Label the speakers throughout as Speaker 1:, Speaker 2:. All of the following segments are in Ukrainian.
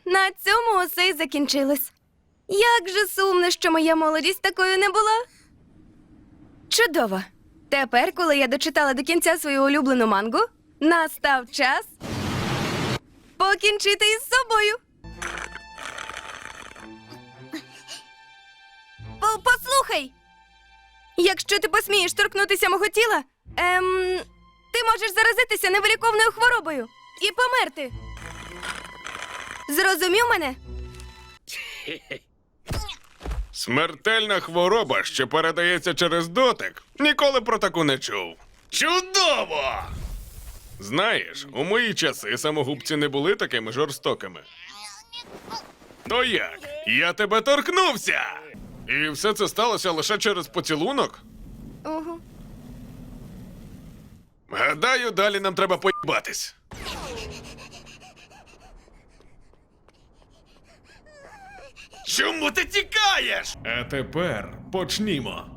Speaker 1: на цьому усе й закінчилось. Як же сумно, що моя молодість такою не була. Чудово. Тепер, коли я дочитала до кінця свою улюблену мангу, настав час покінчити із собою. Послухай! Якщо ти посмієш торкнутися мого тіла, ти можеш заразитися невиліковною хворобою і померти. Зрозумів мене?
Speaker 2: Смертельна хвороба, що передається через дотик. Ніколи про таку не чув. Чудово! Знаєш, у мої часи самогубці не були такими жорстокими. То як? Я тебе торкнувся! І все це сталося лише через поцілунок?
Speaker 1: Угу.
Speaker 2: Гадаю, далі нам треба поїбатись. Чому ти тікаєш? А тепер почнімо.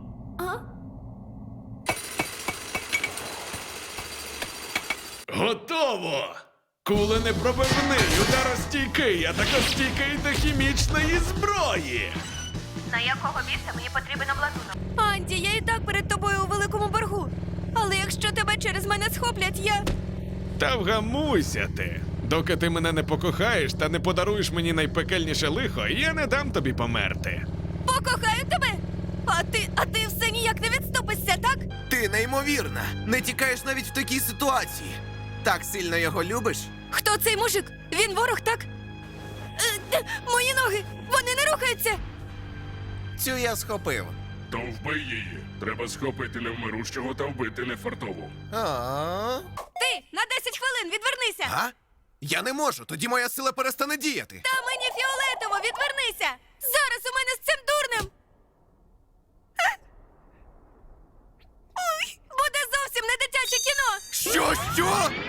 Speaker 2: Готово! Куленепробивний, ударостійкий, атакостійкий до хімічної зброї.
Speaker 1: На якого біса мені потрібен обладунок? Анді, я і так перед тобою у великому боргу. Але якщо тебе через мене схоплять, я...
Speaker 2: Та вгамуйся ти. Доки ти мене не покохаєш та не подаруєш мені найпекельніше лихо, я не дам тобі померти.
Speaker 1: Покохаю тебе? А ти все ніяк не відступишся, так?
Speaker 3: Ти неймовірна. Не тікаєш навіть в такій ситуації. Так сильно його любиш?
Speaker 1: Хто цей мужик? Він ворог, так? Мої ноги! Вони не рухаються!
Speaker 3: Цю я схопив.
Speaker 4: То вбий її. Треба схопити невмирущого та вбити нефартову.
Speaker 3: А?
Speaker 1: Ти на 10 хвилин відвернися!
Speaker 3: А? Я не можу, тоді моя сила перестане діяти.
Speaker 1: Та мені фіолетово, відвернися! Зараз у мене з цим дурнем! Ой, буде зовсім не дитяче кіно!
Speaker 3: Що?